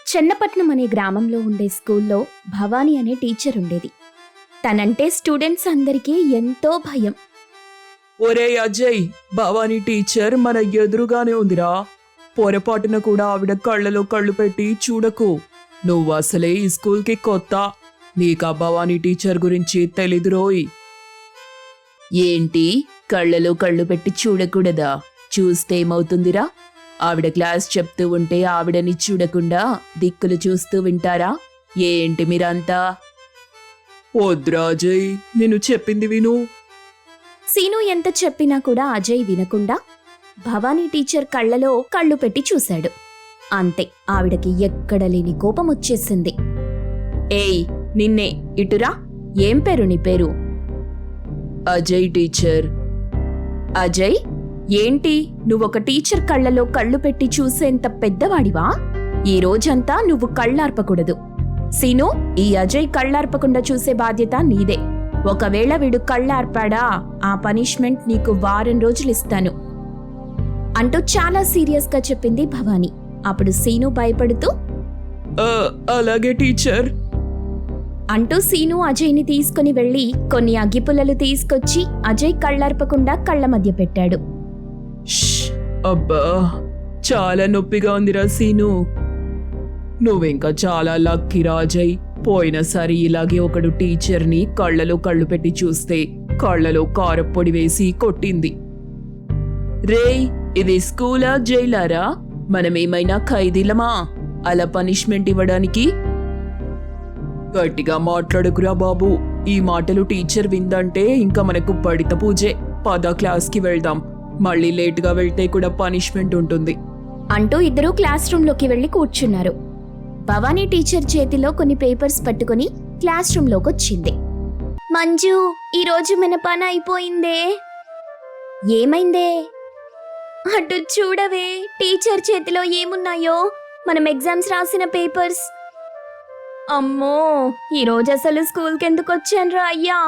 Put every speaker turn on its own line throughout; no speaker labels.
చెన్నపట్నం అనే గ్రామంలో ఉండే స్కూల్లో భవానీ అనే టీచర్ ఉండేది. తనంటే స్టూడెంట్స్ అందరికీ ఎంతో భయం.
ఒరే అజయ్, భవానీ టీచర్ మన ఎదురుగానే ఉందిరా. పొరపాటున కూడా ఆవిడ కళ్ళలో కళ్ళు పెట్టి చూడకు. నువ్వు అసలే ఈ స్కూల్కి కొత్త. నీకా భవానీ టీచర్ గురించి తెలీదురోయ్. ఏంటి, కళ్ళలో కళ్ళు పెట్టి చూడకూడదా? చూస్తే ఏమవుతుందిరా? ఆవిడ క్లాస్ చెప్తూ ఉంటే ఆవిడని చూడకుండా దిక్కులు చూస్తూ వింటారా ఏంటి మీరంతా? వద్దురా అజయ్, నేను చెప్పింది విను.
సీను ఎంత చెప్పినా కూడా అజయ్ వినకుండా భవానీ టీచర్ కళ్ళలో కళ్ళు పెట్టి చూశాడు. అంతే, ఆవిడకి ఎక్కడ లేని కోపం వచ్చేసింది. ఏయ్, నిన్నే, ఇటురా. ఏం పేరు నీ పేరు?
అజయ్ టీచర్.
అజయ్, ఏంటి నువ్వొక టీచర్ కళ్ళలో కళ్ళు పెట్టి చూసేంత పెద్దవాడివా? ఈ రోజంతా నువ్వు కళ్ళార్పకూడదు. సీను, ఈ అజయ్ కళ్ళార్పకుండా చూసే బాధ్యత నీదే. ఒకవేళ వీడు కళ్ళార్పాడా, ఆ పనిష్మెంట్ నీకు వారం రోజులిస్తాను అంటూ చాలా సీరియస్ గా చెప్పింది భవానీ. అప్పుడు సీను భయపడుతూ
అలాగే టీచర్
అంటూ సీను అజయ్ని తీసుకుని వెళ్లి కొన్ని అగ్గిపుల్లలు తీసుకొచ్చి అజయ్ కళ్ళార్పకుండా కళ్ళ మధ్య పెట్టాడు.
అబ్బా, చాలా నొప్పిగా ఉందిరా సీను. నువ్వింకా చాలా లక్కీరా అజయ్. పోయినసారి ఇలాగే ఒకడు టీచర్ని కళ్ళలో కళ్ళు పెట్టి చూస్తే కళ్ళలో కారప్పొడి వేసి కొట్టింది. రేయ్, ఇది స్కూలా జైలారా? మనమేమైనా ఖైదీలమా అలా పనిష్మెంట్ ఇవ్వడానికి? గట్టిగా మాట్లాడుకురా బాబు. ఈ మాటలు టీచర్ విందంటే ఇంకా మనకు పడిత పూజే. పద, క్లాస్కి వెళ్దాం. మళ్ళీ లేటుగా వెళ్తే కూడా పనిష్మెంట్ ఉంటుంది
అంటూ ఇద్దరూ క్లాస్ రూమ్లోకి వెళ్లి కూర్చున్నారు. భవానీ టీచర్ చేతిలో కొన్ని పేపర్స్ పట్టుకుని క్లాస్ రూమ్లోకొచ్చింది. మంజు, ఈరోజు మన పని అయిపోయిందే. ఏమైందే? అటు చూడవే, టీచర్ చేతిలో ఏమున్నాయో. మనం ఎగ్జామ్స్ రాసిన పేపర్స్. అమ్మో, ఈరోజు అసలు స్కూల్కి ఎందుకు వచ్చానురా అయ్యా.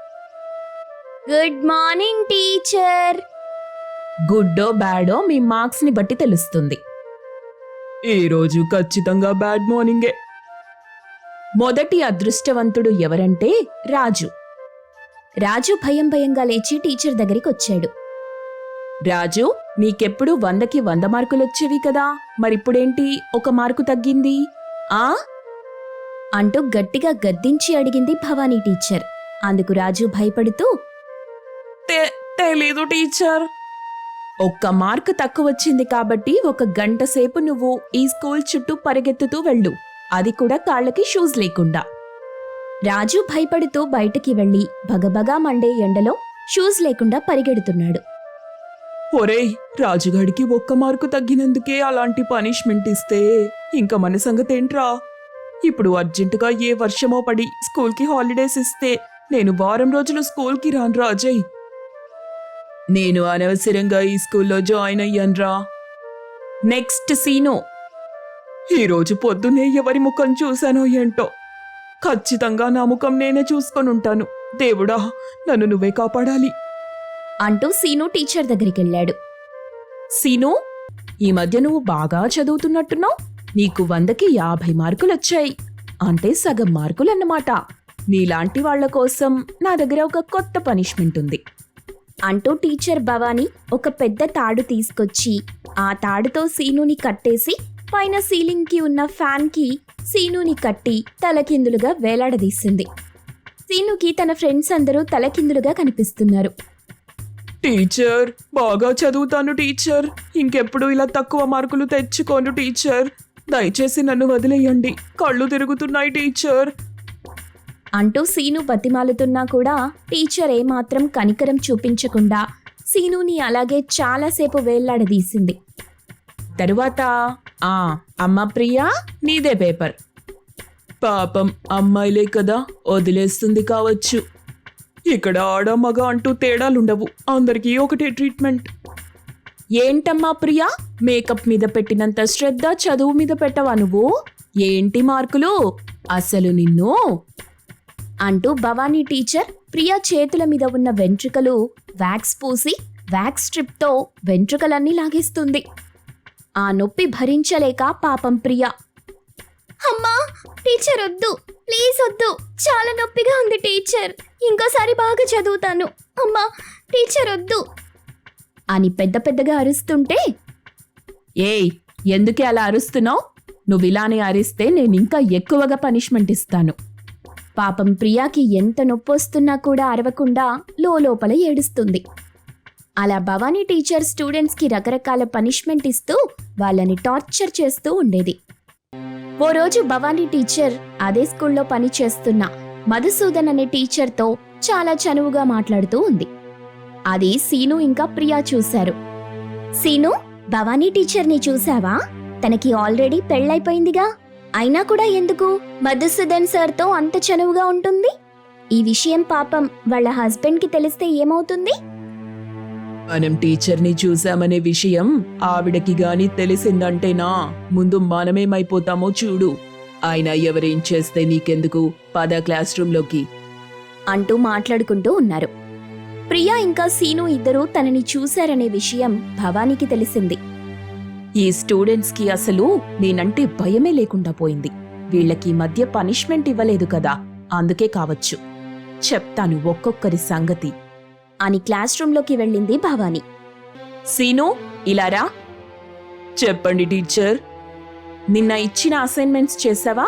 Good morning teacher.
గుడ్డో బ్యాడో మీ మార్క్స్ ని బట్టి తెలుస్తుంది. ఈ రోజు ఖచ్చితంగా బ్యాడ్ మార్నింగే.
మొదటి అదృష్టవంతుడు ఎవరంటే రాజు. రాజు భయం భయంగా లేచి టీచర్ దగ్గరికి వచ్చాడు. రాజు, నీకెప్పుడు 100కి 100 మార్కులొచ్చేవి కదా, మరిప్పుడేంటి 1 మార్కు తగ్గింది ఆ అంటూ గట్టిగా గద్దించి అడిగింది భవానీ టీచర్. అందుకు రాజు భయపడుతూ,
తెలీదు టీచర్.
1 మార్కు తక్కువ వచ్చింది కాబట్టి 1 గంట సేపు నువ్వు ఈ స్కూల్ చుట్టూ పరిగెత్తుతూ వెళ్ళు, అది కూడా కాళ్ళకి షూస్ లేకుండా. రాజు భయపడుతూ బయటికి వెళ్లి భగభగా మండే ఎండలో షూస్ లేకుండా పరిగెడుతున్నాడు.
ఒరేయ్, రాజుగాడికి 1 మార్కు తగ్గినందుకే అలాంటి పనిష్మెంట్ ఇస్తే ఇంకా మన సంగతేంట్రా? ఇప్పుడు అర్జెంటుగా ఏ వర్షమో పడి స్కూల్కి హాలిడేస్ ఇస్తే నేను వారం రోజులు స్కూల్కి రానురా అజయ్. నేను అనవసరంగా ఈ స్కూల్లో జాయిన్ అయ్యాన్రా.
Next scene.
ఈరోజు పొద్దునే ఎవరి ముఖం చూశానో ఏంటో. ఖచ్చితంగా నా ముఖం నేనే చూసుకొనుంటాను. దేవుడా, నన్ను నువ్వే కాపాడాలి
అంటూ సీను టీచర్ దగ్గరికెళ్ళాడు. సీను, ఈ మధ్య నువ్వు బాగా చదువుతున్నట్టున్నావు. నీకు 100కి 50 మార్కులొచ్చాయి. అంటే సగం మార్కులన్నమాట. నీలాంటి వాళ్ల కోసం నా దగ్గర ఒక కొత్త పనిష్మెంట్ ఉంది అంటూ టీచర్ భవానీ ఒక పెద్ద తాడు తీసుకొచ్చి ఆ తాడుతో సీనుని కట్టేసి పైన సీలింగ్కి ఉన్న ఫ్యాన్కి సీనుని కట్టి తలకిందులుగా వేలాడదీసింది. సీనుకి తన ఫ్రెండ్స్ అందరూ తలకిందులుగా కనిపిస్తున్నారు.
టీచర్, బాగా చదువుతాను టీచర్. ఇంకెప్పుడు ఇలా తక్కువ మార్కులు తెచ్చుకోను టీచర్. దయచేసి నన్ను వదిలేయండి. కళ్ళు తిరుగుతున్నాయి టీచర్
అంటూ సీను బతిమాలుతున్నా కూడా టీచర్ ఏమాత్రం కనికరం చూపించకుండా సీనుని అలాగే చాలాసేపు వేళ్లాడదీసింది. తరువాత అమ్మ ప్రియా, నీదే పేపర్.
పాపం అమ్మాయిలే కదా, వదిలేస్తుంది కావచ్చు. ఇక్కడ ఆడ మగ అంటూ తేడాలుండవు. అందరికీ ఒకటే ట్రీట్మెంట్.
ఏంటమ్మా ప్రియా, మేకప్ మీద పెట్టినంత శ్రద్ధ చదువు మీద పెట్టవా నువ్వు? ఏంటి మార్కులు అసలు నిన్ను అంటూ భవానీ టీచర్ ప్రియా చేతుల మీద ఉన్న వెంట్రుకలు వ్యాక్స్ పూసి వ్యాక్స్ స్ట్రిప్తో వెంట్రుకలన్నీ లాగేస్తుంది. ఆ నొప్పి భరించలేక పాపం ప్రియా
అమ్మా టీచర్ వద్దు, ప్లీజ్ వద్దు, చాలా నొప్పిగా ఉంది టీచర్, ఇంకోసారి బాగా చదువుతాను, అమ్మా టీచర్ వద్దు అని పెద్ద పెద్దగా అరుస్తుంటే,
ఏయ్ ఎందుకే అలా అరుస్తున్నావు? నువ్వు ఇలానే అరిస్తే నేను ఇంకా ఎక్కువగా పనిష్మెంట్ ఇస్తాను.
పాపం ప్రియాకి ఎంత నొప్పొస్తున్నా కూడా అరవకుండా లోపల ఏడుస్తుంది. అలా భవానీ టీచర్ స్టూడెంట్స్కి రకరకాల పనిష్మెంట్ ఇస్తూ వాళ్ళని టార్చర్ చేస్తూ ఉండేది. ఓ రోజు భవానీ టీచర్ అదే స్కూల్లో పని చేస్తున్న మధుసూదన్ అనే టీచర్తో చాలా చనువుగా మాట్లాడుతూ ఉంది. అది సీను ఇంకా ప్రియా చూశారు. సీను, భవానీ టీచర్ని చూసావా? తనకి ఆల్రెడీ పెళ్ళైపోయిందిగా, అయినా కూడా ఎందుకు మధుసూదన్ సార్తో అంత చనువుగా ఉంటుంది? ఈ విషయం పాపం వాళ్ళ హస్బెండ్కి తెలిస్తే ఏమవుతుంది?
మనం టీచర్ని చూసామనే విషయం ఆవిడకి గాని తెలిసిందంటేనా ముందు మనమేమైపోతామో చూడు. అయినా ఎవరేం చేస్తే నీకెందుకు, పద క్లాస్ రూమ్లోకి
అంటూ మాట్లాడుకుంటూ ఉన్నారు. ప్రియా ఇంకా సీను ఇద్దరూ తనని చూశారనే విషయం భవానీకి తెలిసింది.
ఈ స్టూడెంట్స్కి అసలు నేనంటే భయమే లేకుండా పోయింది. వీళ్ళకి మధ్య పనిష్మెంట్ ఇవ్వలేదు కదా, అందుకే కావచ్చు. చెప్తాను ఒక్కొక్కరి సంగతి
అని క్లాస్ రూమ్లోకి వెళ్ళింది భవానీ.
సీను ఇలారా.
చెప్పండి టీచర్.
నిన్న ఇచ్చిన అసైన్మెంట్స్ చేసావా?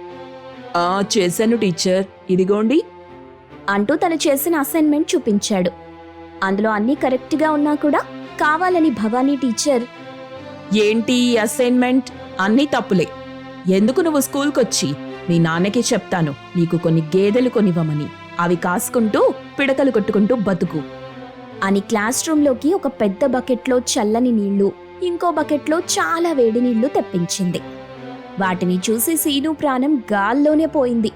చేశాను టీచర్, ఇదిగోండి
అంటూ తను చేసిన అసైన్మెంట్ చూపించాడు. అందులో అన్నీ కరెక్ట్గా ఉన్నా కూడా కావాలని భవానీ టీచర్,
ఏంటి ఈ అసైన్మెంట్? అన్నీ తప్పులే. ఎందుకు నువ్వు స్కూల్కొచ్చి మీ నాన్నకి చెప్తాను నీకు కొన్ని గేదెలు కొనివ్వమని, అవి కాసుకుంటూ పిడకలు కొట్టుకుంటూ బతుకు
అని క్లాస్ రూమ్లోకి ఒక పెద్ద బకెట్లో చల్లని నీళ్లు, ఇంకో బకెట్లో చాలా వేడి నీళ్లు తెప్పించింది. వాటిని చూసి సీను ప్రాణం గాల్లోనే పోయింది.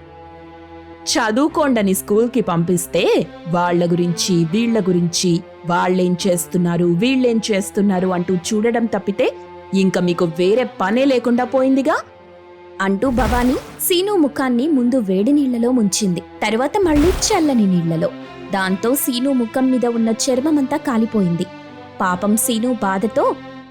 చదువుకోండని స్కూల్కి పంపిస్తే వాళ్ళ గురించి వీళ్ళ గురించి, వాళ్ళేం చేస్తున్నారు వీళ్ళేం చేస్తున్నారు అంటూ చూడడం తప్పితే ఇంకా మీకు వేరే పనే లేకుండా పోయిందిగా
అంటూ భవానీ సీను ముఖాన్ని ముందు వేడి నీళ్లలో ముంచింది, తరువాత మళ్ళీ చల్లని నీళ్లలో. దాంతో సీను ముఖం మీద ఉన్న చర్మమంతా కాలిపోయింది. పాపం సీను బాధతో,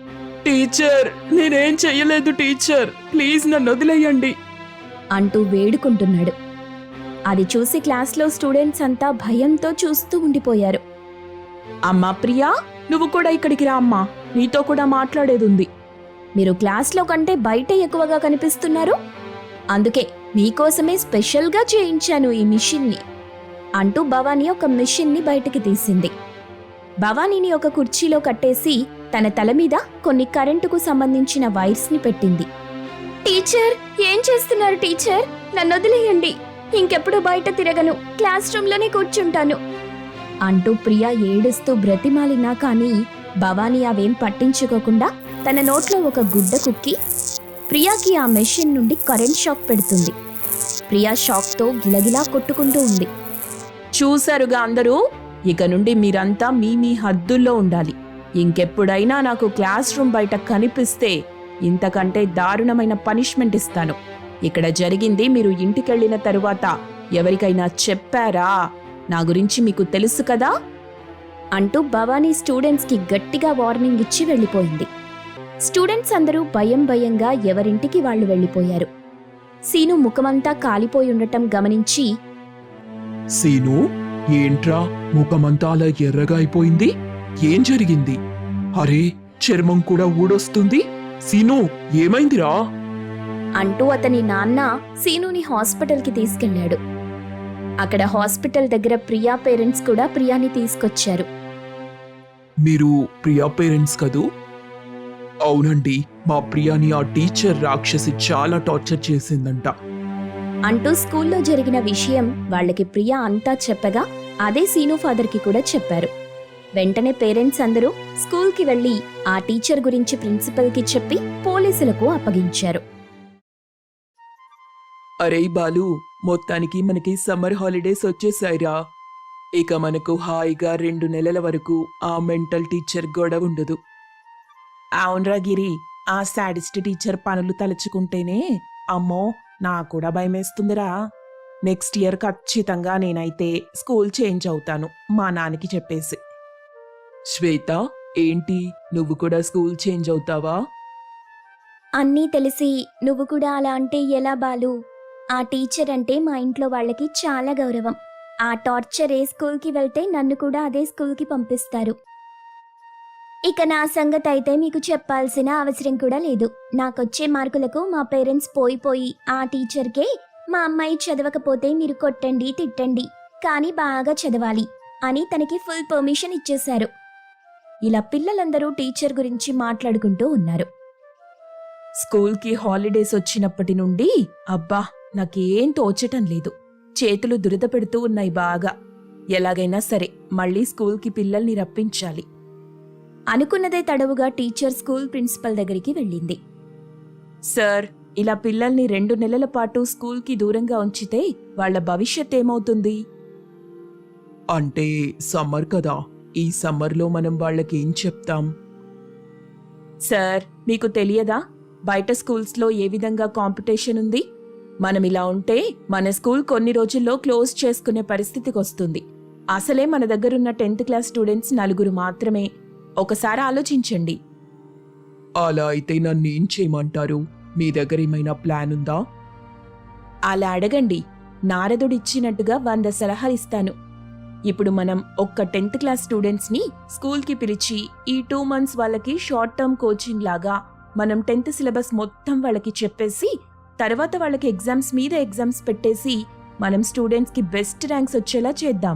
టీచర్ నేనేం చెయ్యలేదు టీచర్, ప్లీజ్ నన్ను వదిలేయండి
అంటూ వేడుకుంటున్నాడు. అది చూసి క్లాస్లో స్టూడెంట్స్ అంతా భయంతో చూస్తూ ఉండిపోయారు.
అమ్మా ప్రియా, నువ్వు కూడా ఇక్కడికి రా అమ్మా, నీతో కూడా మాట్లాడేదుంది.
మీరు క్లాస్లో కంటే బయట ఎక్కువగా కనిపిస్తున్నారు, అందుకే మీకోసమే స్పెషల్గా చేయించాను ఈ మిషన్ని అంటూ భవానీ ఒక మిషన్ని బయటికి తీసింది. భవానీని ఒక కుర్చీలో కట్టేసి తన తల మీద కొన్ని కరెంటుకు సంబంధించిన వైర్స్ని పెట్టింది. టీచర్ ఏం చేస్తున్నారు టీచర్? నన్ను వదిలేయండి, ఇంకెప్పుడు బయట తిరగను, క్లాస్ రూమ్లోనే కూర్చుంటాను అంటూ ప్రియా ఏడుస్తూ బ్రతిమాలినా కానీ భవానీ అవేం పట్టించుకోకుండా తన నోట్లో ఒక గుడ్డ కుక్కి ప్రియాకి ఆ మెషిన్ నుండి కరెంట్ షాక్ పెడుతుంది. ప్రియా షాక్తో గిలగిలా కొట్టుకుంటూ ఉంది.
చూశారుగా అందరూ, ఇక నుండి మీరంతా మీ మీ హద్దుల్లో ఉండాలి. ఇంకెప్పుడైనా నాకు క్లాస్ రూమ్ బయట కనిపిస్తే ఇంతకంటే దారుణమైన పనిష్మెంట్ ఇస్తాను. ఇక్కడ జరిగింది మీరు ఇంటికెళ్ళిన తరువాత ఎవరికైనా చెప్పారా? నా గురించి మీకు తెలుసు కదా
అంటూ భవానీ స్టూడెంట్స్కి గట్టిగా వార్నింగ్ ఇచ్చి వెళ్ళిపోయింది. స్టూడెంట్స్ అందరూ భయం భయంగా ఎవరింటికి వాళ్ళు వెళ్ళిపోయారు. సీను ముఖమంతా కాలిపోయి ఉండటం గమనించి,
సీను, ఏంట్రా ముఖమంతా అలా ఎర్రగా అయిపోయింది? ఏం జరిగింది? అరే, చర్మం కూడా ఊడొస్తుంది. సీను, ఏమైందిరా?
అంటూ అతని నాన్న సీనుని హాస్పిటల్కి తీసుకెళ్లాడు. అక్కడ హాస్పిటల్ దగ్గర ప్రియా పేరెంట్స్ కూడా ప్రియాని తీసుకొచ్చారు.
మీరు ప్రియా పేరెంట్స్ కదూ? అవునండి, మా ప్రియాని ఆ టీచర్ రాక్షసి చాలా టార్చర్ చేసిందంట
అంటూ స్కూల్లో జరిగిన విషయం వాళ్ళకి ప్రియా అంతా చెప్పగా అదే సీను ఫాదర్కి కూడా చెప్పారు. వెంటనే పేరెంట్స్ అందరూ స్కూల్కి వెళ్లి ఆ టీచర్ గురించి ప్రిన్సిపల్కి చెప్పి పోలీసులకు అప్పగించారు.
అరే బాలు, మొత్తానికి మనకి సమ్మర్ హాలిడేస్ వచ్చేసాయిరా. ఇక మనకు హాయిగా 2 నెలల వరకు ఆ మెంటల్ టీచర్ గొడవ ఉండదు.
అవునరా గిరి, ఆ సాడిస్ట్ టీచర్ పనులు తలుచుకుంటేనే అమ్మో నాకు కూడా భయమేస్తుందిరా. నెక్స్ట్ ఇయర్ ఖచ్చితంగా నేనైతే స్కూల్ చేంజ్ అవుతాను మా నాన్నకి చెప్పేసి.
శ్వేత, ఏంటి నువ్వు కూడా స్కూల్ చేంజ్ అవుతావా?
అన్నీ తెలిసి నువ్వు కూడా అలా అంటే ఎలా బాలు? ఆ టీచర్ అంటే మా ఇంట్లో వాళ్ళకి చాలా గౌరవం. ఆ టార్చర్ ఏ స్కూల్కి వెళ్తే నన్ను కూడా అదే స్కూల్కి పంపిస్తారు. ఇక నా సంగతి అయితే మీకు చెప్పాల్సిన అవసరం కూడా లేదు. నాకొచ్చే మార్కులకు మా పేరెంట్స్ పోయి ఆ టీచర్కే మా అమ్మాయి చదవకపోతే మీరు కొట్టండి తిట్టండి, కానీ బాగా చదవాలి అని తనకి ఫుల్ పర్మిషన్ ఇచ్చేశారు. ఇలా పిల్లలందరూ టీచర్ గురించి మాట్లాడుకుంటూ ఉన్నారు.
స్కూల్కి హాలిడేస్ వచ్చినప్పటి నుండి అబ్బా నాకేం తోచటం లేదు. చేతులు దురద పెడుతూ ఉన్నాయి బాగా. ఎలాగైనా సరే మళ్ళీ స్కూల్కి పిల్లల్ని రప్పించాలి.
అనుకున్నదే తడవుగా టీచర్ స్కూల్ ప్రిన్సిపల్ దగ్గరికి వెళ్ళింది.
సార్, ఇలా పిల్లల్ని 2 నెలల పాటు స్కూల్కి దూరంగా ఉంచితే వాళ్ళ భవిష్యత్ ఏమవుతుంది?
అంటే సమ్మర్ కదా, ఈ సమ్మర్లో మనం వాళ్ళకి ఏం చెప్తాం?
సార్, మీకు తెలియదా బయట స్కూల్స్లో ఏ విధంగా కాంపిటీషన్ ఉంది? మనం ఇలా ఉంటే మన స్కూల్ కొన్ని రోజుల్లో క్లోజ్ చేసుకునే పరిస్థితికి వస్తుంది. అసలే మన దగ్గరున్న 10th క్లాస్ స్టూడెంట్స్ 4 మాత్రమే. ఒకసారి ఆలోచించండి.
అలా అయితే నన్నేం చేయమంటారు? మీ దగ్గర ఏమైనా ప్లాన్ ఉందా?
అలా అడగండి. నారదుడిచ్చినట్టుగా 100 సలహాలు ఇస్తాను. ఇప్పుడు మనం ఒక్క 10th క్లాస్ స్టూడెంట్స్ని స్కూల్కి పిలిచి ఈ 2 months వాళ్ళకి షార్ట్ టర్మ్ కోచింగ్ లాగా మనం 10th సిలబస్ మొత్తం వాళ్ళకి చెప్పేసి తర్వాత వాళ్ళకి ఎగ్జామ్స్ మీద ఎగ్జామ్స్ పెట్టేసి మనం స్టూడెంట్స్కి బెస్ట్ ర్యాంక్స్ వచ్చేలా చేద్దాం.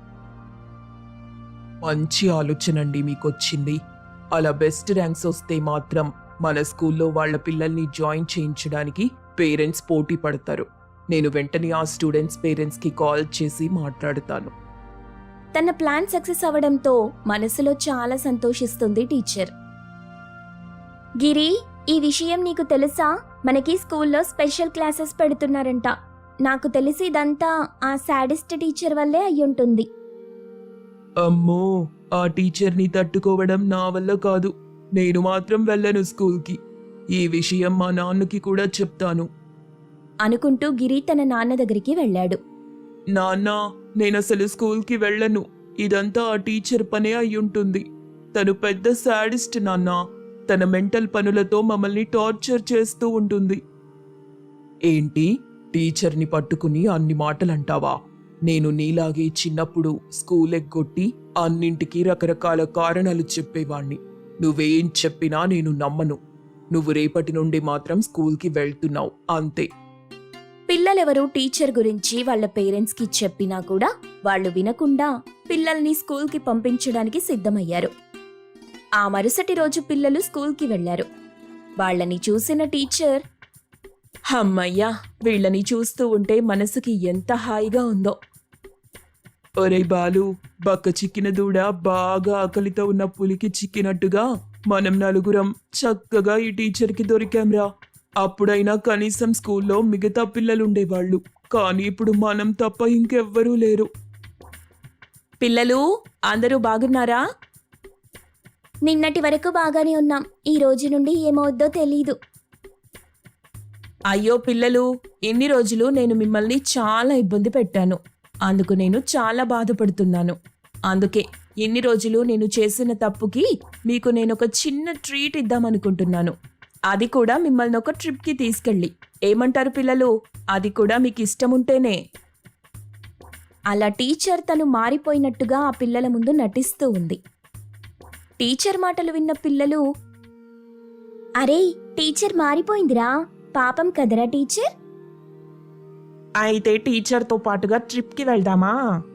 మంచి ఆలోచన అండి మీకొచ్చింది. అలా బెస్ట్ ర్యాంక్స్ వస్తే మాత్రం మన స్కూల్లో వాళ్ళ పిల్లల్ని జాయిన్ చేయించడానికి పేరెంట్స్ పోటీ పడతారు. నేను వెంటనే ఆ స్టూడెంట్స్ పేరెంట్స్కి కాల్ చేసి మాట్లాడతాను.
తన ప్లాన్ సక్సెస్ అవడంతో మనసులో చాలా సంతోషిస్తుంది టీచర్. గిరి, ఈ విషయం నీకు తెలుసా? మనకి స్కూల్లో స్పెషల్ క్లాసెస్ పెడుతున్నారంట. నాకు తెలిసి ఇదంతా ఆ సాడిస్ట్ టీచర్ వల్లే అయ్యుంటుంది.
అమ్మో, ఆ టీచర్ని తట్టుకోవడం నా వల్ల కాదు. నేను మాత్రం వెళ్ళను స్కూల్కి. ఈ విషయం మా నాన్నకి కూడా చెప్తాను.
అనుకుంటూ గిరి తన నాన్న దగ్గరికి వెళ్ళాడు.
నాన్న, నేనసలు స్కూల్కి వెళ్ళను. ఇదంతా ఆ టీచర్ పనే అయ్యుంటుంది. తను పెద్ద సాడిస్ట్ నాన్న. తన మెంటల్ పనులతో మమ్మల్ని టార్చర్ చేస్తూ ఉంటుంది. ఏంటి, టీచర్ని పట్టుకుని అన్ని మాటలంటావా? నేను నీలాగే చిన్నప్పుడు స్కూల్ ఎగ్గొట్టి అన్నింటికీ రకరకాల కారణాలు చెప్పేవాణ్ణి. నువ్వేం చెప్పినా నేను నమ్మను. నువ్వు రేపటి నుండి మాత్రం స్కూల్కి వెళ్తున్నావు, అంతే.
పిల్లలెవరూ టీచర్ గురించి వాళ్ళ పేరెంట్స్కి చెప్పినా కూడా వాళ్ళు వినకుండా పిల్లల్ని స్కూల్కి పంపించడానికి సిద్ధమయ్యారు. ఆ మరుసటి రోజు పిల్లలు స్కూల్కి వెళ్లారు. వాళ్ళని చూసిన టీచర్,
అమ్మయ్యా, వీళ్ళని చూస్తూ ఉంటే మనసుకి ఎంత హాయిగా ఉందో.
ఒరే బాలు, బక్క చిక్కిన దూడ బాగా ఆకలితో ఉన్న పులికి చిక్కినట్టుగా మనం నలుగురం చక్కగా ఈ టీచర్కి దొరికాంరా. అప్పుడైనా కనీసం స్కూల్లో మిగతా పిల్లలుండేవాళ్ళు, కానీ ఇప్పుడు మనం తప్ప ఇంకెవ్వరూ లేరు.
పిల్లలు అందరూ బాగున్నారా?
నిన్నటి వరకు బాగానే ఉన్నాం. ఈ రోజు నుండి ఏమవుద్దో తెలీదు.
అయ్యో పిల్లలు, ఇన్ని రోజులు నేను మిమ్మల్ని చాలా ఇబ్బంది పెట్టాను. అందుకు నేను చాలా బాధపడుతున్నాను. అందుకే ఇన్ని రోజులు నేను చేసిన తప్పుకి మీకు నేను ఒక చిన్న ట్రీట్ ఇద్దామనుకుంటున్నాను. అది కూడా మిమ్మల్ని ఒక ట్రిప్కి తీసుకెళ్ళి. ఏమంటారు పిల్లలు? అది కూడా మీకు ఇష్టం ఉంటేనే.
అలా టీచర్ తను మారిపోయినట్టుగా ఆ పిల్లల ముందు నటిస్తూ ఉంది. టీచర్ మాటలు విన్న పిల్లలు, అరే టీచర్ మారిపోయిందిరా, పాపం కదరా టీచర్.
అయితే టీచర్తో పాటుగా ట్రిప్కి వెళ్దామా?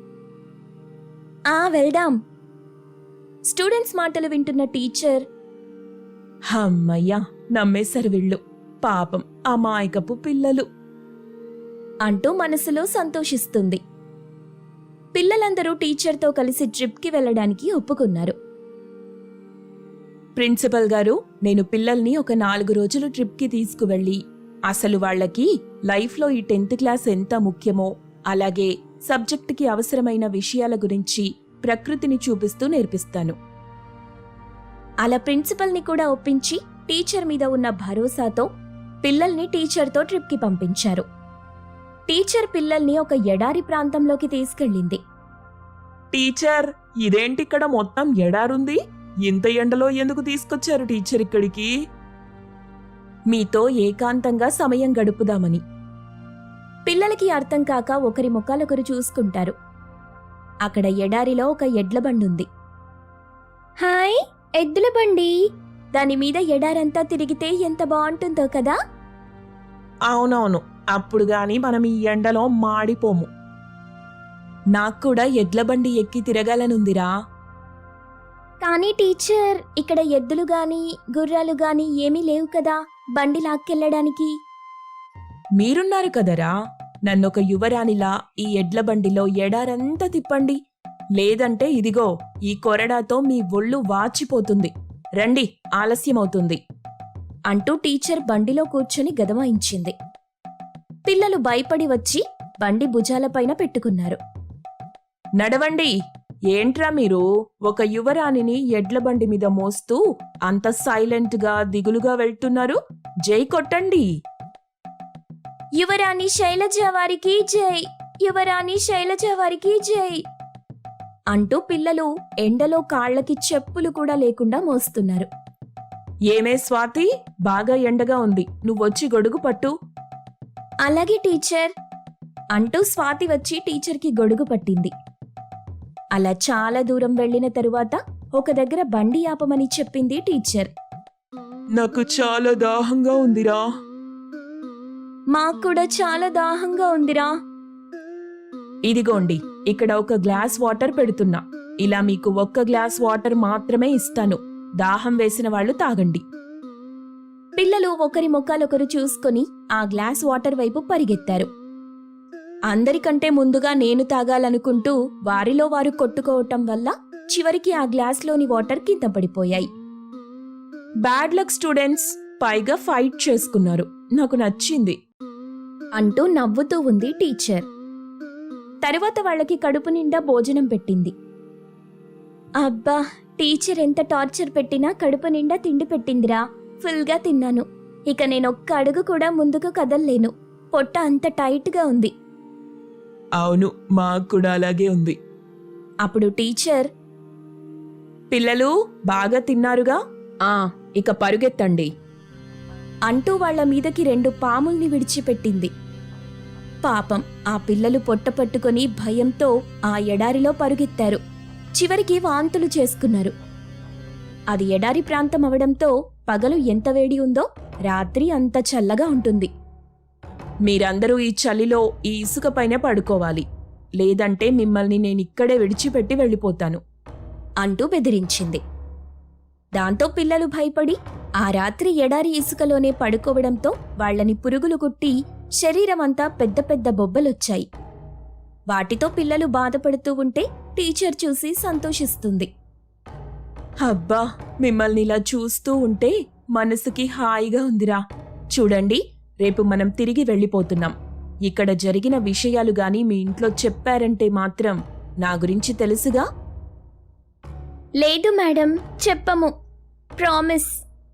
వెళ్దాం. స్టూడెంట్స్ మాటలు వింటున్న టీచర్,
అమ్మయ్యా, నమ్మేశారు వీళ్ళు. పాపం అమాయకపు పిల్లలు
అంటూ మనసులో సంతోషిస్తుంది. పిల్లలందరూ టీచర్తో కలిసి ట్రిప్కి వెళ్ళడానికి ఒప్పుకున్నారు.
ప్రిన్సిపల్ గారు, నేను పిల్లల్ని ఒక 4 రోజులు ట్రిప్కి తీసుకువెళ్ళి అసలు వాళ్ళకి లైఫ్లో ఈ 10th క్లాస్ ఎంత ముఖ్యమో, అలాగే సబ్జెక్టుకి అవసరమైన విషయాల గురించి ప్రకృతిని చూపిస్తూ నేర్పిస్తాను.
అలా ప్రిన్సిపల్ని కూడా ఒప్పించి టీచర్ మీద ఉన్న భరోసాతో పిల్లల్ని టీచర్తో ట్రిప్కి పంపించారు. టీచర్ పిల్లల్ని ఒక ఎడారి ప్రాంతంలోకి తీసుకెళ్ళింది.
టీచర్, ఇదేంటి ఇక్కడ మొత్తం ఎడారుంది? ఇంత ఎండలో ఎందుకు తీసుకొచ్చారు టీచర్ ఇక్కడికి?
మీతో ఏకాంతంగా సమయం గడుపుదామని.
పిల్లలకి అర్థం కాక ఒకరి ముఖాలొకరు చూసుకుంటారు. అక్కడ ఎడారిలో ఒక ఎడ్ల బండుంది. హాయ్, ఎద్దుల బండి. దాని మీద ఎడారంతా తిరిగితే ఎంత బాగుంటుందో కదా.
అవునవును, అప్పుడు గాని మనం ఈ ఎండలో మాడిపోము. నాకు కూడా ఎడ్ల బండి ఎక్కి తిరగాలనుందిరా.
కానీ టీచర్, ఇక్కడ ఎద్దులు గాని గుర్రాలు గాని ఏమీ లేవు కదా బండి లాక్కెళ్ళడానికి.
మీరున్నారు కదరా, నన్నొక యువరాణిలా ఈ ఎడ్ల బండిలో ఎడారంతా తిప్పండి. లేదంటే ఇదిగో ఈ కొరడాతో మీ ఒళ్ళు వాచిపోతుంది. రండి, ఆలస్యమవుతుంది
అంటూ టీచర్ బండిలో కూర్చొని గదమాయించింది. పిల్లలు భయపడి వచ్చి బండి భుజాలపైన పెట్టుకున్నారు.
నడవండి. ఏంట్రా మీరు ఒక యువరాణిని ఎడ్ల బండి మీద మోస్తూ అంత సైలెంట్గా దిగులుగా వెళ్తున్నారు? జై కొట్టండి.
యువరాణి శైలజ వారికి జై, యువరాణి శైలజ వారికి జై అంటూ పిల్లలు ఎండలో కాళ్ళకి చెప్పులు కూడా లేకుండా మోస్తున్నారు.
ఏమే స్వాతి, బాగా ఎండగా ఉంది, నువ్వొచ్చి గొడుగు పట్టు.
అలాగే టీచర్ అంటూ స్వాతి వచ్చి టీచర్కి గొడుగు పట్టింది. అలా చాలా దూరం వెళ్లిన తరువాత ఒక దగ్గర బండి ఆపమని చెప్పింది టీచర్.
నాకు చాలా దాహంగా ఉందిరా.
మాకు కూడా చాలా దాహంగా ఉందిరా.
ఇదిగోండి, ఇక్కడ ఒక గ్లాస్ వాటర్ పెడుతున్నా. ఇలా మీకు ఒక్క గ్లాస్ వాటర్ మాత్రమే ఇస్తాను. దాహం వేసిన వాళ్ళు తాగండి.
పిల్లలు ఒకరి ముఖాలొకరు చూసుకుని ఆ గ్లాస్ వాటర్ వైపు పరిగెత్తారు. అందరికంటే ముందుగా నేను తాగాలనుకుంటూ వారిలో వారు కొట్టుకోవటం వల్ల చివరికి ఆ గ్లాస్లోని వాటర్ కింద పడిపోయాయి.
బ్యాడ్ లక్ స్టూడెంట్స్, పైగా ఫైట్ చేసుకున్నారు. నాకు నచ్చింది
అంటూ నవ్వుతూ ఉంది టీచర్. తరువాత వాళ్ళకి కడుపు నిండా భోజనం పెట్టింది. అబ్బా, టీచర్ ఎంత టార్చర్ పెట్టినా కడుపు నిండా తిండి పెట్టిందిరా. ఫుల్గా తిన్నాను. ఇక నేనొక్క అడుగు కూడా ముందుకు కదల్లేను. పొట్ట అంత టైట్గా ఉంది.
అవును, మాకు కూడా అలాగే ఉంది.
అప్పుడు టీచర్,
పిల్లలు బాగా తిన్నారుగా, ఇక పరుగెత్తండి
అంటూ వాళ్ల మీదకి 2 పాముల్ని విడిచిపెట్టింది. పాపం ఆ పిల్లలు పొట్ట పట్టుకొని భయంతో ఆ ఎడారిలో పరుగెత్తారు. చివరికి వాంతులు చేసుకున్నారు. అది ఎడారి ప్రాంతం అవడంతో పగలు ఎంత వేడి ఉందో రాత్రి అంత చల్లగా ఉంటుంది.
మీరందరూ ఈ చలిలో ఈ ఇసుక పైన పడుకోవాలి, లేదంటే మిమ్మల్ని నేనిక్కడే విడిచిపెట్టి వెళ్ళిపోతాను
అంటూ బెదిరించింది. దాంతో పిల్లలు భయపడి ఆ రాత్రి ఎడారి ఇసుకలోనే పడుకోవడంతో వాళ్లని పురుగులు కుట్టి శరీరమంతా పెద్ద పెద్ద బొబ్బలొచ్చాయి. వాటితో పిల్లలు బాధపడుతూ ఉంటే టీచర్ చూసి సంతోషిస్తుంది.
అబ్బా, మిమ్మల్ని ఇలా చూస్తూ ఉంటే మనసుకి హాయిగా ఉందిరా. చూడండి, రేపు మనం తిరిగి వెళ్ళిపోతున్నాం. ఇక్కడ జరిగిన విషయాలు గాని మీ ఇంట్లో చెప్పారంటే మాత్రం నా గురించి తెలుసుగా.
లేదు మేడం, చెప్పము, ప్రామిస్.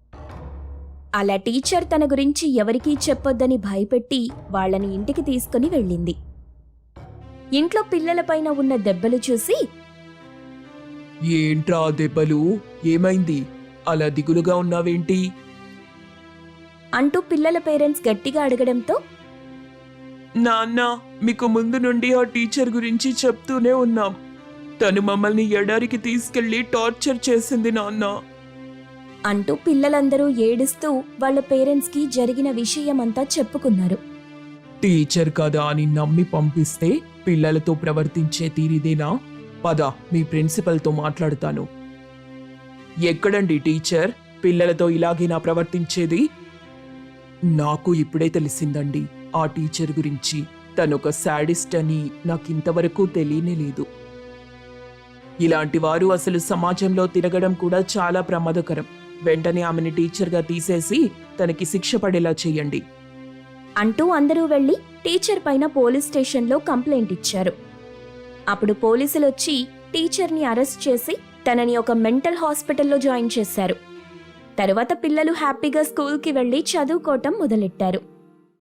అలా టీచర్ తన గురించి ఎవరికీ చెప్పొద్దని భయపెట్టి వాళ్ళని ఇంటికి తీసుకుని వెళ్ళింది. ఇంట్లో పిల్లలపైన ఉన్న దెబ్బలు చూసి,
ఏంట్రా దెబ్బలు, ఏమైంది, అలా దిగులుగా ఉన్నావేంటి?
అంటూ పిల్లల పేరెంట్స్ గట్టిగా అడగడంతో,
నాన్న, మీకు ముందు నుండి ఆ టీచర్ గురించి చెప్తూనే ఉన్నాం. తను మమ్మల్ని ఎడారికి తీసుకెళ్లి టార్చర్ చేసింది నాన్న
అంటూ పిల్లలందరూ ఏడుస్తూ వాళ్ళ పేరెంట్స్కి జరిగిన విషయమంతా చెప్పుకున్నారు.
టీచర్ కదా అని నమ్మి పంపిస్తే పిల్లలతో ప్రవర్తించే తీరిదేనా? పద, మీ ప్రిన్సిపల్తో మాట్లాడుతాను. ఎక్కడండి టీచర్, పిల్లలతో ఇలాగేనా ప్రవర్తించేది? నాకు ఇప్పుడే తెలిసిందండి ఆ టీచర్ గురించి. తనొక శాడిస్ట్ అని నాకింతవరకు తెలియనేలేదు. ఇలాంటి వారు అసలు సమాజంలో తిరగడం కూడా చాలా ప్రమాదకరం. వెంటనే ఆమెని టీచర్గా తీసేసి తనకి శిక్ష పడేలా చేయండి
అంటూ అందరూ వెళ్లి టీచర్ పైన పోలీస్ స్టేషన్లో కంప్లైంట్ ఇచ్చారు. అప్పుడు పోలీసులొచ్చి టీచర్ని అరెస్ట్ చేసి తనని ఒక మెంటల్ హాస్పిటల్లో జాయిన్ చేశారు. తరువాత పిల్లలు హ్యాపీగా స్కూల్కి వెళ్లి చదువుకోవటం మొదలెట్టారు.